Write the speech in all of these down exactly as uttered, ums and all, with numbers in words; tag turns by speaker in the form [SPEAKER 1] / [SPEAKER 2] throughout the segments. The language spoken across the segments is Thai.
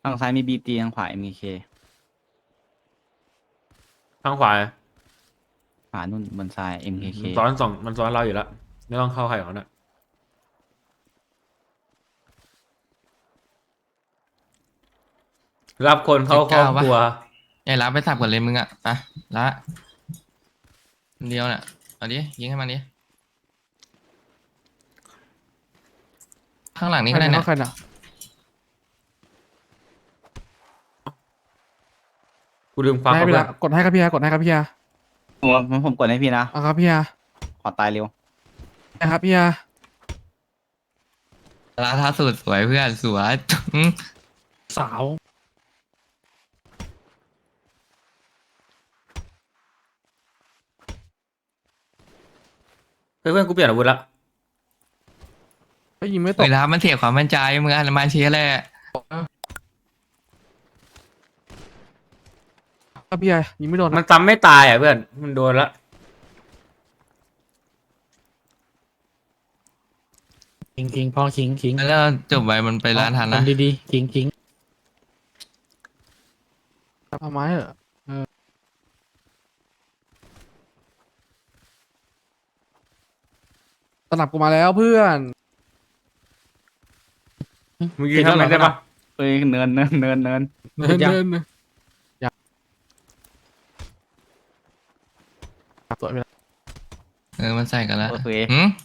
[SPEAKER 1] ทางซ้ายมีบีตีทางขวาเอ็มเค
[SPEAKER 2] ทางขวา
[SPEAKER 1] ขวานู่นบนซ้ายเอ็มเค
[SPEAKER 2] มันซ้อนสองมันซ้อนเราอยู่แล้วไม่ต้องเข้าใครของมันอ่ะรับคนเข้าครอบครัว
[SPEAKER 3] ไอ้ละไปสับก่อนเลยมึงอ่ะไปละคนเดียวน่ะเอาดิยิงให้มันดิข้างหลังนี้ก็ได้นะ
[SPEAKER 4] ใครนะ
[SPEAKER 2] กูลืมควัก
[SPEAKER 4] ให้
[SPEAKER 2] เข้า
[SPEAKER 4] พี่
[SPEAKER 2] ไป
[SPEAKER 4] ละกดให้ครับพี่ฮะกดให้ครับพี่ฮะ
[SPEAKER 1] ผมผมกดให้พี่นะ
[SPEAKER 4] เอาครับพี่ฮะ
[SPEAKER 1] ขอตายเร็ว
[SPEAKER 4] นะครับพี่ฮะ
[SPEAKER 3] ละท่าสุดสวยเพื่อนสวย
[SPEAKER 4] สาว
[SPEAKER 2] เฮ้ยเพื่อนกูเปลี่ยนอาวุธละ
[SPEAKER 4] ก็ยิงไม่ต
[SPEAKER 3] เว
[SPEAKER 4] ก
[SPEAKER 3] ลามันเสียความมั่นใจมึงอ่ะมาเชียร์แหละ
[SPEAKER 4] ครับพี่ฮะยิงไม่โดน
[SPEAKER 2] มันซ้ำไม่ตายอ่ะเพื่อนมันโดนละ
[SPEAKER 5] คิงคิงพ่อคิงคิง
[SPEAKER 3] แล้วจบไปมันไปร้านทันนะ
[SPEAKER 5] ทำดีๆคิงคิง
[SPEAKER 4] เอาไม้เหรอเออสนับกูมาแล้วเพื่อน
[SPEAKER 2] มึงยิงทำไมได้ปะ
[SPEAKER 1] เอ้ยเนินเนินเนินเนิน
[SPEAKER 4] เดินเดินอยากสวยไปแล้ว
[SPEAKER 3] เออมันใส่กันแล้ว
[SPEAKER 1] โอเค
[SPEAKER 3] หืม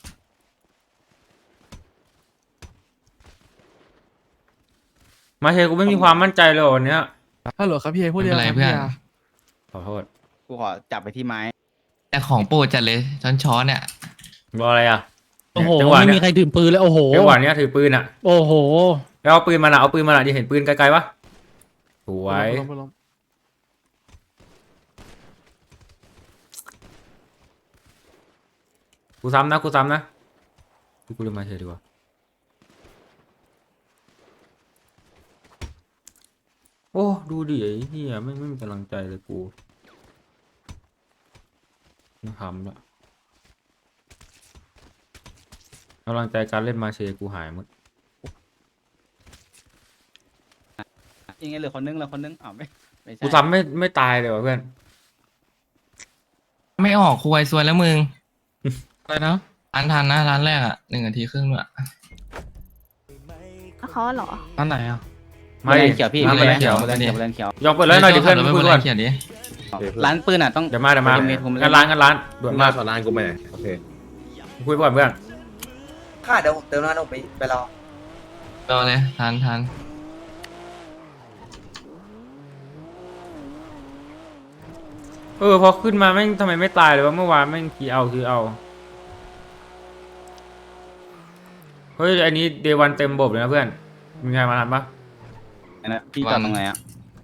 [SPEAKER 2] มาเชกูไม่มีความมั่นใจเลยวันเนี้ย
[SPEAKER 4] ฮัลโหลครับพี่ฮะพูดเดียวครับพี่ฮะ
[SPEAKER 2] ขอโทษ
[SPEAKER 1] กูขอจับไปที่ไม้
[SPEAKER 3] แต่ของโปรดจัดเลยช้อนช้อนเนี่ย
[SPEAKER 2] รออะไรอ่ะ
[SPEAKER 5] โอ้โห
[SPEAKER 2] จังหวะ
[SPEAKER 5] ไม่
[SPEAKER 2] เนี้
[SPEAKER 5] มี
[SPEAKER 2] ย
[SPEAKER 5] ใครถือปืนเลยโอ้โห
[SPEAKER 2] จังหวะเนี้ยถือปืนอ่ะ
[SPEAKER 5] โอ้โห
[SPEAKER 2] แล้วเอาปืนมาละเอาปืนมาละจะเห็นปืนไกลๆปะสวย
[SPEAKER 4] ล้มล้มล้ม
[SPEAKER 2] กูซ้ำนะกูซ้ำนะกูลืมมาเชดีกว่าโอ้ดูดิไอ้เหี้ยไม่ไม่มีกำลังใจเลยกูไม่ทำละกำลังใจการเล่นมาเชกูหายหมด
[SPEAKER 1] ยังไงเหลือคนนึงเหลือคนนึงอ้าวไม่ไม่ใช่
[SPEAKER 2] กูซ้ำไม่ไม่ตายเลยว่ะเพื่อน
[SPEAKER 3] ไม่ออกคุยซวยแล้วมึง
[SPEAKER 5] อะไรนะ
[SPEAKER 3] อันทันนะร้านแรกอ่ะหนึ่งนาทีครึ่งด้วย
[SPEAKER 6] เขาเหรอ
[SPEAKER 5] อันไหนอ่ะ
[SPEAKER 1] ไม่
[SPEAKER 2] ไม่
[SPEAKER 1] เขียวพี่
[SPEAKER 3] ไม่
[SPEAKER 1] ไม่
[SPEAKER 3] ได้
[SPEAKER 1] เขียว
[SPEAKER 3] ไม่
[SPEAKER 1] ไม่
[SPEAKER 3] ได้
[SPEAKER 1] ได้เขียวไม่ได้เขียวย
[SPEAKER 2] อมเปิดเลยหน่อยดิเพื่อน
[SPEAKER 3] ไม่
[SPEAKER 2] คุย
[SPEAKER 3] เป็น
[SPEAKER 2] ก่
[SPEAKER 3] ไร
[SPEAKER 2] อน
[SPEAKER 3] เขียนดิ
[SPEAKER 1] ร้านปืนอ่ะต้อง
[SPEAKER 2] เดี๋ยวมาเดี๋ยวมา
[SPEAKER 1] เดี๋ยวมีทุน
[SPEAKER 2] งานร้านงานร้านด่วนมาก
[SPEAKER 7] สอนร้านกูไปไหนโอเค
[SPEAKER 2] คุยก่อนเพื่อน
[SPEAKER 8] ค่ะเดี๋ยวผมเติมน้ำมันไปไปรอ
[SPEAKER 3] รอเลยทันทัน
[SPEAKER 2] เออพอขึ้นมาแม่งทำไมไม่ตายเลยวะเมื่อวานแม่งคีเอาคือเอาเฮ้ยอันนี้เดวันเต็มบบเลยนะเพื่อนมีใครมาทันปะ
[SPEAKER 1] นะพี่จอดตรงไหนอ่ะ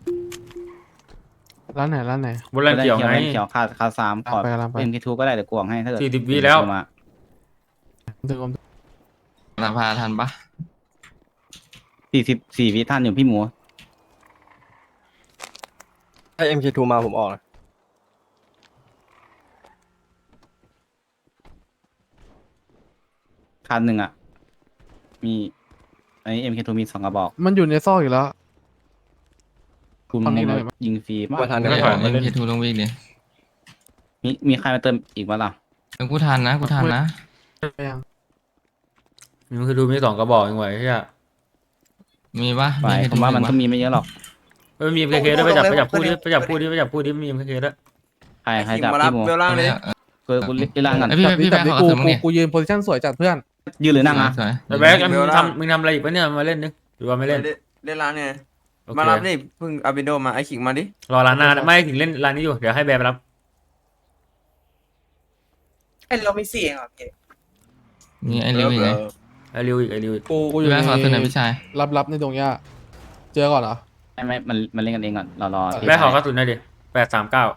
[SPEAKER 4] ร้านไหนร้านไหน
[SPEAKER 2] บนแรงเขียวไง
[SPEAKER 1] แลนเขียวคาคาสามขอ
[SPEAKER 4] ไปกำลังไป
[SPEAKER 1] เอ็มเคทูก็ได้เดี๋ยวกวงให้ถ้าเกิด
[SPEAKER 2] สี่สิบวิแล้ว
[SPEAKER 1] มา
[SPEAKER 4] ถึงผม
[SPEAKER 3] สภาทันปะ
[SPEAKER 1] สี่สิบสี่วิท่านอยู่พี่หมู
[SPEAKER 7] ถ้า เอ็ม เค ทู มาผมออกนะ
[SPEAKER 1] คันหนึ่งอ่ะ มีอันนี้เอ็มเคทูมีสองกระบอก
[SPEAKER 4] มันอยู่ในซอกอยู่แล้ว
[SPEAKER 1] คุณ
[SPEAKER 4] ตอนนี้เลย
[SPEAKER 1] ยิงฟรีมาก
[SPEAKER 7] ว่าทัน
[SPEAKER 3] ไม่
[SPEAKER 7] เดี๋ยว
[SPEAKER 3] ถ
[SPEAKER 7] ผ
[SPEAKER 3] อย
[SPEAKER 7] ม
[SPEAKER 3] เอ็มเคทูลงวิ่งดิ
[SPEAKER 1] มีมีใครมาเติมอีกบ้างล่ะ
[SPEAKER 3] เออกูทันนะกูทันนะ
[SPEAKER 4] ไปยัง
[SPEAKER 2] มันคือดูมีสองกระบอกเองไว้ใช่ไหม
[SPEAKER 3] มีปะ
[SPEAKER 1] ไป
[SPEAKER 3] มี
[SPEAKER 1] ผมว่ามันก็มีไม่เยอะหรอก
[SPEAKER 2] เออมีเอ็มเคด้วยไปจับไปจับคู่ดิไปจับคู่ดิไปจับคู่ดิมีเอ็มเคด้วย
[SPEAKER 1] ใครใคร
[SPEAKER 8] ขิง
[SPEAKER 1] จับ
[SPEAKER 8] มารับ
[SPEAKER 1] พี่หมู
[SPEAKER 8] เวลล่างเลย
[SPEAKER 1] กูกูเล่นล่างก่อน
[SPEAKER 3] ไอพี่พี่
[SPEAKER 4] แต่
[SPEAKER 3] แบงค์
[SPEAKER 4] นี่
[SPEAKER 3] ขอ
[SPEAKER 4] กู
[SPEAKER 3] กระสุนมึง
[SPEAKER 4] กู
[SPEAKER 3] ดิ
[SPEAKER 4] กูยืนโพซิชั่นสวยจัดเพื่อน
[SPEAKER 1] ยืนหรือนั่งอ่ะ
[SPEAKER 3] สวย
[SPEAKER 2] แต่แบ็คมึงทำมึงทำอะไรอีกปะเนี่ยมาเล่นนึกหรือว่าไม่เล่น
[SPEAKER 8] เล่นร้านเนี่ย
[SPEAKER 2] โอเค
[SPEAKER 8] มารับนี่เพิ่งอาบิโดมาไอขิงมาดิ
[SPEAKER 2] รอร้านหน้าไม่ถึงเล่นร้านนี้อยู่เดี๋ยวให้แบร์ไปรับ
[SPEAKER 8] ไอเราไม่เสี่ยงอ่ะพี่
[SPEAKER 3] มีไอริวอีกไง
[SPEAKER 2] ไอริวอีกไอริวอีก
[SPEAKER 4] กูกูอ
[SPEAKER 3] พี่
[SPEAKER 4] ยู่
[SPEAKER 3] แบ
[SPEAKER 4] ใน
[SPEAKER 3] งค์ขอกระสุนหน่อยพี่ชาย
[SPEAKER 4] รับรับในดงหญ้าเจอก่อนเหรอ
[SPEAKER 1] ไม่ไม่มันมันเล่นกันเองก่อนรอรอพี่
[SPEAKER 2] แบร์ขอกระสุนหน่อยดิแปดสามเก้า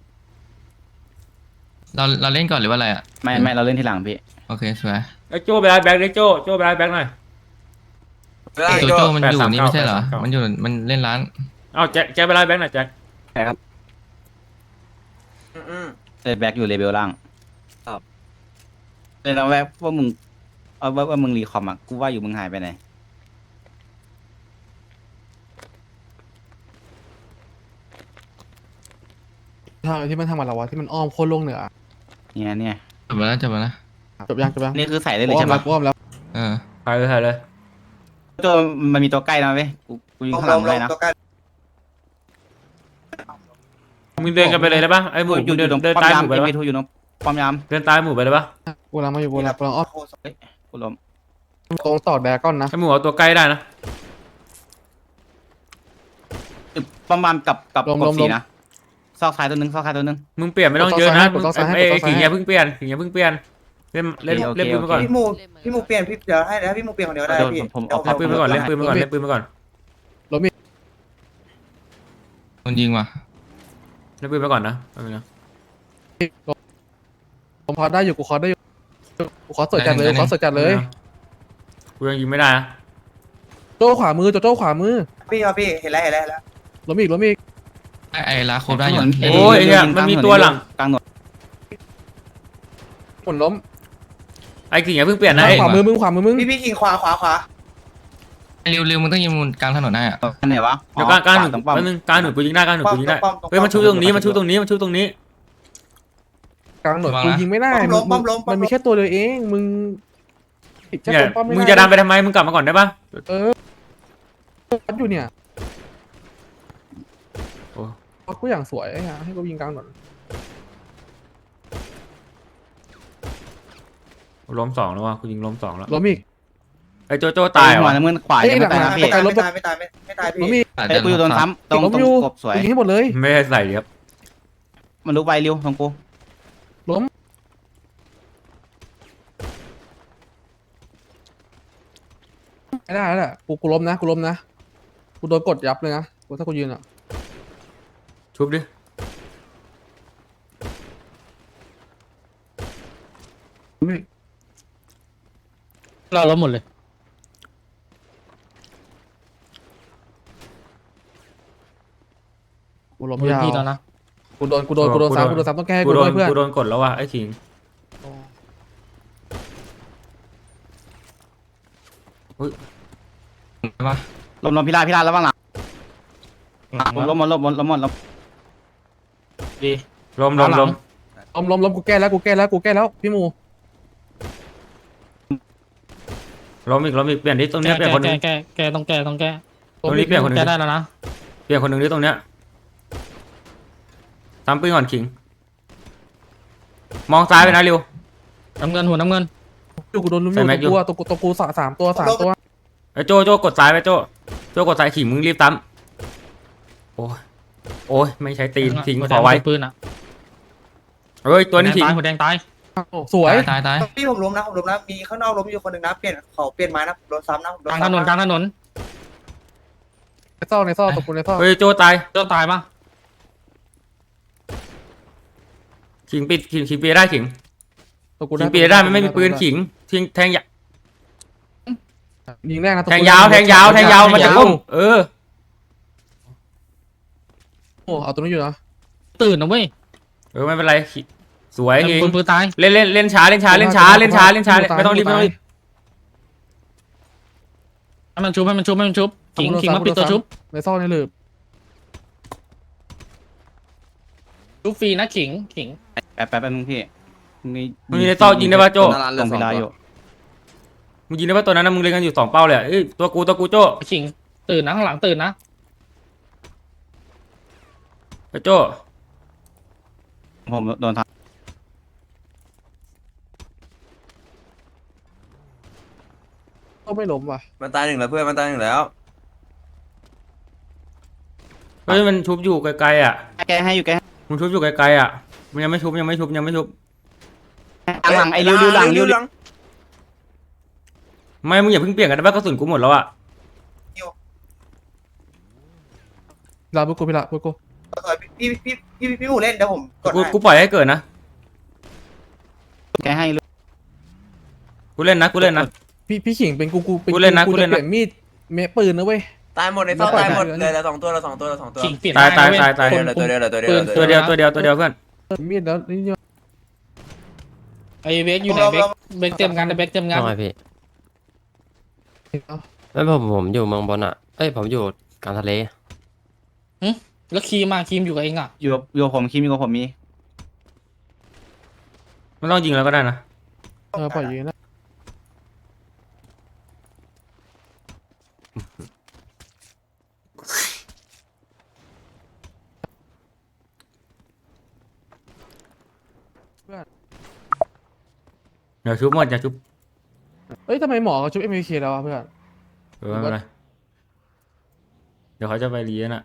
[SPEAKER 3] เราเราเล่นก่อนหรือว่าอะไรอ่ะ
[SPEAKER 1] ไม่ไม่เราเล่นทีหลังพี่
[SPEAKER 3] โอเคสวย
[SPEAKER 2] ไอโจ้ไปรับแบ็คดิโจ้โจ้ไปรับแบ็คหน่อย
[SPEAKER 8] เวลา
[SPEAKER 3] โจ
[SPEAKER 8] โจ
[SPEAKER 3] โจ้มันอยู่นี่ไม่ใช่เหรอ
[SPEAKER 2] แปดสามเก้า
[SPEAKER 3] มันอยู่มันเล่นร้าน
[SPEAKER 2] เอ้าแจ็คแจ็คไปรับแบ็คหน่อยแจ็ค
[SPEAKER 8] อืม
[SPEAKER 1] เล่นแบ็กอยู่เลเวลล่าง
[SPEAKER 7] ครับ
[SPEAKER 1] เลยเราแวบว่ามึงเอาว่าว่ามึงรีคอมอ่ะกูว่าอยู่มึงหายไปไหน
[SPEAKER 4] ทางที่มันทำกับเราวะที่มันอ้อมโคตรลงเหนือ
[SPEAKER 1] เนี่ยเนี่ย
[SPEAKER 3] จบแล้วจบแล้วนะ
[SPEAKER 4] จบยังจบยัง
[SPEAKER 1] นี่คือใส่ได้เลย
[SPEAKER 4] อ้อ
[SPEAKER 1] ใช่
[SPEAKER 4] มแล้
[SPEAKER 1] ปะ
[SPEAKER 4] วอ้อมแล้ว
[SPEAKER 3] เออ
[SPEAKER 2] ถ่ายเลยถ่ายเลย
[SPEAKER 1] ตัวมันมีตัวใกล้นะเว้ยกูกูยิง
[SPEAKER 8] ลง
[SPEAKER 1] ข้างห
[SPEAKER 8] ล
[SPEAKER 1] ลัง
[SPEAKER 8] งล
[SPEAKER 1] เล
[SPEAKER 8] ง
[SPEAKER 1] ยนะ
[SPEAKER 8] ตัวกัน
[SPEAKER 2] มึงเดินกันไปเลยได้ปะไอ้หมู
[SPEAKER 1] อยู่
[SPEAKER 2] มึงเดิน
[SPEAKER 1] ตรง
[SPEAKER 2] เดิน
[SPEAKER 1] ป้อม
[SPEAKER 2] ตาย
[SPEAKER 1] ยา
[SPEAKER 2] ห
[SPEAKER 1] ม
[SPEAKER 2] มูไป
[SPEAKER 1] เอ็
[SPEAKER 2] เลย
[SPEAKER 1] ม
[SPEAKER 2] ปะ
[SPEAKER 1] ทูอยู่ตรงป้อมยาม
[SPEAKER 2] เดินตายหมูไปเลยปะ
[SPEAKER 4] กูกำลังมาอยู่กูกำลังกำลังอ้อม
[SPEAKER 1] กูล้ม
[SPEAKER 4] ตรงต่อแดกก้อนนะ
[SPEAKER 2] ไอ้หมูเอาตัวใกล้ได้นะ
[SPEAKER 1] ป้อมยามกับกับกบสีนะซอกซ้ายตัวหนึงซอกซ้ายตัวหนึง
[SPEAKER 2] มึงเปลี่ยนไม่ต้องเยอะนะมึงไอ้ไอ้ขิงอย่าเพิ่งเปลี่ยนขิงอย่าเพิ่งเปลี่ยนเล่นเล่น
[SPEAKER 1] โอเค
[SPEAKER 2] เล่นปืนไปก่อน
[SPEAKER 8] พี่หมูพี่หมูเปลี่ยนพี่เดี๋ยวให้เดี๋ยวให้พี่หมูเปลี่ยนคนเดียวได้
[SPEAKER 1] เดี๋ยว
[SPEAKER 8] พี่
[SPEAKER 1] ผม
[SPEAKER 8] เดี๋ยว
[SPEAKER 1] เอา
[SPEAKER 2] เล่นปืนไปก่อนเล่นปืนไปก่อนเล่นปืนไปก่อน
[SPEAKER 3] โดนยิงว่ะ
[SPEAKER 2] เล่นปืนไปก่อนนะไม่เป็นไร
[SPEAKER 4] ผมคอได้อยู่กูคอได้อยู่กูคอสดจัดเลยกูคอสดจัดเลย
[SPEAKER 2] กูยังยิงไม่ได้นะ
[SPEAKER 4] โจ้ขวามือโจโจ้ขวามือ
[SPEAKER 8] พี่ครับพี่เห็นแล้วเห็นแล้วเห็นแล้ว
[SPEAKER 4] ล้มอีกล้มอีก
[SPEAKER 3] ไอ้ไอ้ลาโคบได้อยู่
[SPEAKER 1] เอ้
[SPEAKER 2] โอ้ยไอ้เนี่ยมันมีตัวหลัง
[SPEAKER 1] กลางหนวด
[SPEAKER 4] หมุนล้ม
[SPEAKER 2] ไอ้ขิงอย่าเพิ่งเปลี่ยนนะไอ้
[SPEAKER 4] ขวามือมึงขวามือมึง
[SPEAKER 8] พี่พี่คิงขวาขวาขวา
[SPEAKER 3] ไอ้ริวริวมึงต้องยิงมุมกลางถนนได้อะ
[SPEAKER 1] อันไหนวะ
[SPEAKER 2] เดี๋ยวกลางกลางห
[SPEAKER 1] ข
[SPEAKER 2] นึ่
[SPEAKER 1] วตรงป้อม
[SPEAKER 2] แป๊บนึงกลางหนึ่งกูยิงได้กลางหนึ่ง
[SPEAKER 8] ป้อม
[SPEAKER 2] กูยิงได้
[SPEAKER 8] ป้อม
[SPEAKER 2] เฮ้ยมันชุบตรงนี้มันชุบตรงนี้มันชุบตรงนี้
[SPEAKER 4] กลางหนวดกูยิงไม่ได้
[SPEAKER 8] ป้อมล้มป้อมล้มป้อ
[SPEAKER 4] มัน
[SPEAKER 8] ม
[SPEAKER 4] มี
[SPEAKER 8] ล้ม
[SPEAKER 4] แค่ตัวเดียวเองมึงผิดแค่
[SPEAKER 2] เนี่ย
[SPEAKER 4] ตรงป้อมไม่ได้
[SPEAKER 2] มึงจะดันไปทำไมมึงกลับมาก่อนได้ปะ
[SPEAKER 4] เออวัดอยู่เนี่ย
[SPEAKER 2] โอ้
[SPEAKER 4] กูอย่างสวยไอ้ห่าให้กูยิงกลางหนวด
[SPEAKER 2] ล้มสองแล้วว่ะกูยิงล้มสองแล้ว
[SPEAKER 4] ล้มอีก
[SPEAKER 2] ไอ้โจโจ้ตายเหร
[SPEAKER 1] หัว
[SPEAKER 2] อ
[SPEAKER 1] น้ำเงินขวายังไม่ตายนะพี่
[SPEAKER 8] ไม่ตายไม่ตายไม่ตายไม่ตาย
[SPEAKER 4] ล้ม
[SPEAKER 8] พี่
[SPEAKER 4] อีก
[SPEAKER 1] ไอ้กูอยู่โดนซ้ำตรง
[SPEAKER 4] ล้ม
[SPEAKER 1] ตร
[SPEAKER 4] อง ยู่
[SPEAKER 1] กบสวย
[SPEAKER 4] กูยิงให้หมดเลย
[SPEAKER 2] ไม่ได้ใส่ครับ
[SPEAKER 1] มันลุกไปเร็วตรงกู
[SPEAKER 4] ล้มไม่ได้แล้วแหละกูกูล้มนะกูล้มนะกูโดนกดยับเลยนะกูถ้ากูยืนอ่ะ
[SPEAKER 2] ชุบดิ
[SPEAKER 5] เราล้มหมดเลย
[SPEAKER 4] กูล้ม
[SPEAKER 5] พื้น
[SPEAKER 4] ยาว
[SPEAKER 5] ที่แล้วนะ
[SPEAKER 4] กูโดนกูโดนกูโดนซ้ำกูโดนซ้ำต้องแก้ให้
[SPEAKER 2] กู
[SPEAKER 4] กู
[SPEAKER 2] โด
[SPEAKER 4] ด้วน ยเพื่อน
[SPEAKER 2] กูโดนกดแล้วว่ะไอ้ขิง
[SPEAKER 3] ใช่ปะ
[SPEAKER 1] ลมลมพิราพิราแล้วบ้างหลังลมหมดลมหมดลมหมดลมดี
[SPEAKER 2] ล้มล้มล้ม
[SPEAKER 4] ล้มล้มล้มกูแก้แล้วกูแก้แล้วกูแก้แล้วพี่หมู
[SPEAKER 2] ล้มอีกล้มอีกเปลี่ยนที่ตรง
[SPEAKER 5] แก
[SPEAKER 2] เนี้ยเปลี่ยนคนหนึ
[SPEAKER 5] แก
[SPEAKER 2] ง
[SPEAKER 5] แกแกต้องแกต้องแก
[SPEAKER 2] ตรงนี้เปลี่ยนคนหนึง
[SPEAKER 5] แกได้แล้วนะ
[SPEAKER 2] เปลี่ยนคนหนึงที่ตรงเนี้ยตามปืนก่อนขิง มองซ้ายไปนะเร็ว
[SPEAKER 5] น้ำเงินหัวน้ำเงิน
[SPEAKER 4] อยู่กูโดนลุมอ
[SPEAKER 2] ใส่
[SPEAKER 4] ยู่
[SPEAKER 2] แม็กอยู่
[SPEAKER 4] ตัวตัวกูตัวกูสามสามตัวสามตัว
[SPEAKER 2] ไอ้โจโจกดซ้ายไปโจโจกดซ้ายขิงมึงรีบตั้มโอ้ยโอ้ยไม่ใช้ตีนทิ้ง
[SPEAKER 5] หัว
[SPEAKER 2] ข
[SPEAKER 5] แด
[SPEAKER 2] อไว้
[SPEAKER 5] ปืนอ่ะ
[SPEAKER 2] เฮ้ยตัวนี้ขิง
[SPEAKER 5] ตายหัวแดงตาย
[SPEAKER 4] สวย
[SPEAKER 3] ตายตายตาย
[SPEAKER 8] พี่ผมล้มนะผมล้มนะมีข้างนอกล้มอยู่คนหนึ่งนะเปลี่ยนเขาเปลี่ยนไม้นะโดนซ้ำนะโด
[SPEAKER 5] ก
[SPEAKER 8] น
[SPEAKER 5] ลางถ
[SPEAKER 8] ซ้ำ
[SPEAKER 5] นนกลางถนน
[SPEAKER 4] ในซอกในซอกตัวกูในซอก
[SPEAKER 2] เฮ้ยโจตาย
[SPEAKER 5] เจ้าตายปะ
[SPEAKER 2] ขิงปิดขิงขิงปีได้ขิง
[SPEAKER 4] ตัวกู
[SPEAKER 2] ขิงปีได้มันไม่มีปืนขิงทิ้งแทงยา
[SPEAKER 4] ยิงแรกนะตัว
[SPEAKER 2] แท
[SPEAKER 4] กู
[SPEAKER 2] งยาวแทงยาวแทงยาวมันจะพุ่งเออ
[SPEAKER 4] โอ้เอาตัวนี้อยู่นะ
[SPEAKER 5] ตื่นนะเว้ย
[SPEAKER 2] เออไม่เป็นไรขิสวยขิง
[SPEAKER 5] ปืนปืนตาย
[SPEAKER 2] เล่นเล่นเล่นช้าเล่นช้าเล่นช้าเล่นช้าเล่นช้าไม่ต้องรีบไม่ต้องรีบ
[SPEAKER 5] ให้มันชุบให้มันชุบให้มันชุบขิงขิงมาปิดตัวชุบ
[SPEAKER 4] ในซอกในหลืบ
[SPEAKER 5] ชุบฟรีนะขิงขิง
[SPEAKER 1] แป๊บแป๊บแป๊บนึงพี่มี
[SPEAKER 2] มึงยิงในซอกยิงได้ป่ะโจ
[SPEAKER 1] ตรงพิราอยู่
[SPEAKER 2] มึงยิงได้ป่ะตัวนั้นนะมึงเล่นกันอยู่สองเป้าเลยอะเอ้ยตัวกูตัวกูโจ
[SPEAKER 5] ขิงตื่นนะข้างหลังตื่นนะ
[SPEAKER 2] ไปโจ
[SPEAKER 1] ผมโดนท
[SPEAKER 4] ก็ไม่ล้มว่ะ
[SPEAKER 8] มันตายหนึ่งแล้วเพื่อนมันตายหนึ่งแล้ว
[SPEAKER 2] เฮ้ยมันชุบอยู่ไกลๆอ่ะ
[SPEAKER 1] ำแกให้อยู่แกให้
[SPEAKER 2] มึงชุบอยู่ไกลๆอ่ะมันยังไม่ชุบยังไม่ชุบยังไม่ชุบ
[SPEAKER 1] หลังไอ้ริ้วริ้วหลังริ้ว
[SPEAKER 8] หลัง
[SPEAKER 2] ไม่มึงอย่าเพิ่งเปลี่ยนกันนะว่ากระสุนกูหมดแล้วอ่ะ
[SPEAKER 4] ลาบุกูพี่ละบุกู
[SPEAKER 8] พี่พี่พี่พี่พี่หมูเล่นเดี๋ยวผมกด
[SPEAKER 2] กู
[SPEAKER 8] ให้
[SPEAKER 2] กูปล่อยให้เกิดนะ
[SPEAKER 1] แกให้
[SPEAKER 2] กูเล่นนะกูเล่นนะ
[SPEAKER 4] พี่พี่ขิงเป็นกูกูเป็น
[SPEAKER 2] กูเล่นนะ
[SPEAKER 4] กู
[SPEAKER 2] กูเล่
[SPEAKER 4] จะ
[SPEAKER 2] นนะ
[SPEAKER 4] เปลี่ยนมีดเมะปืนนะเว้ย
[SPEAKER 8] ตายหมดในซอก
[SPEAKER 4] ไม่ปล่อย
[SPEAKER 8] ตายหมด
[SPEAKER 4] ไม่ปล่อย
[SPEAKER 8] เลยละสองตัวละสองตัวละสองตัว
[SPEAKER 5] ขิงเปลี่ยน
[SPEAKER 2] ตายตาย
[SPEAKER 5] ได้นะเว้
[SPEAKER 2] ตายตาย
[SPEAKER 5] คน
[SPEAKER 8] ตัวเดียวตัวเดียวตัวเดียว
[SPEAKER 2] ตัวเดียวตัวเดียวตัวเดียวเพื่อน
[SPEAKER 4] มีดแล้วนี่เนี่ย
[SPEAKER 5] ไอเบกอยู่ไหนเบกเบกเต็มงานเบกเต็มงาน
[SPEAKER 6] ทำไมพี่
[SPEAKER 4] เอา
[SPEAKER 6] ไม่ผมผมอยู่เมืองบนอ่ะ เอ้ยผมอยู่กลางทะเล
[SPEAKER 5] แล้วครีมมาครีมอยู่กับเองอ่ะ
[SPEAKER 1] อยู่กับอยู่กับผมคิมอยู่กับผมมี
[SPEAKER 2] ไม่ต้องยิงแล้วก็ได้นะ
[SPEAKER 4] เออปล่อยยืนนะ
[SPEAKER 2] เดี๋ยวชุบหมดอย่าชุบ
[SPEAKER 4] เอ้ยทำไมหมอเขาชุบเอ็มวีเคแล้ววะเพื่อน
[SPEAKER 2] เออไม่เป็นไรเดี๋ยวเขาจะไปเรียนอ่ะ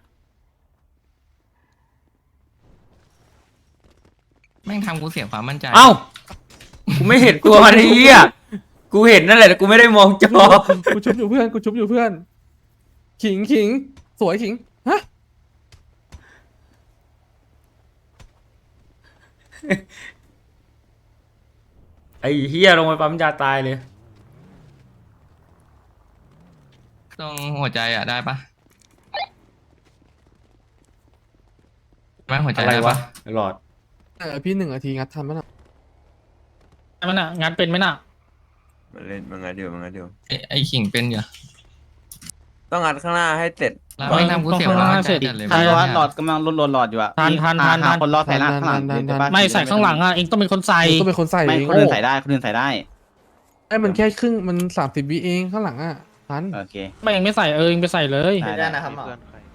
[SPEAKER 3] แม่งทำกูเสียความมั่นใจ
[SPEAKER 2] เอ้ากูไม่เห็นตัวมันไอ้เหี้ยกูเห็นนั่นแหละแต่กูไม่ได้มองจอ
[SPEAKER 4] กูชุบอยู่เพื่อนกูชุบอยู่เพื่อน ขิงขิงสวยขิงฮะ
[SPEAKER 2] ไอ้เหี้ยลงไปปั๊มยาตายเลย
[SPEAKER 3] ตรงหัวใจอ่ะได้ปะแม่งหัวใจ
[SPEAKER 2] อะไร
[SPEAKER 3] ได้
[SPEAKER 2] วะ
[SPEAKER 3] ปะ
[SPEAKER 2] หลอด
[SPEAKER 4] เออพี่หนึ่งนาทีงัดทันปะน่ะ
[SPEAKER 5] มันอ่ะงานเป็นไหมน่ะ
[SPEAKER 6] มันเล่นมันงัดอยู่มันงัดอยู่
[SPEAKER 3] ไอ้ไอ้ขิงเป็นอยู่
[SPEAKER 6] ต้องงัดข้างหน้าให้เสร็จ
[SPEAKER 3] แล้วแม่งทำกูเสียความมั่นใจจัดเลย
[SPEAKER 1] ทัน
[SPEAKER 3] เว้ย
[SPEAKER 1] ว่าหลอดกำลังลดลดหลอดอยู่อะ
[SPEAKER 5] ทันทันทัน
[SPEAKER 1] หา
[SPEAKER 5] ทัน
[SPEAKER 1] คนรอดใส่หน้าข้างหลังเดี๋ยวจะบ้า
[SPEAKER 5] ไม่ใส่ข้างหลังอ่ะเองต้องเป็นคนใส่
[SPEAKER 4] กูต้องเป็นคนใส่
[SPEAKER 1] ไม่
[SPEAKER 4] เอง
[SPEAKER 1] คนอื่นใส่ได้คนอื่นใส่ได้
[SPEAKER 4] ไอ้มันแค่ครึ่งมันสามสิบวิเองข้างหลังอ่ะทัน
[SPEAKER 1] โอเค
[SPEAKER 5] ไม่เองไม่ใส่เออเองไปใส่เลย
[SPEAKER 1] ได้ได้นะครับหมอ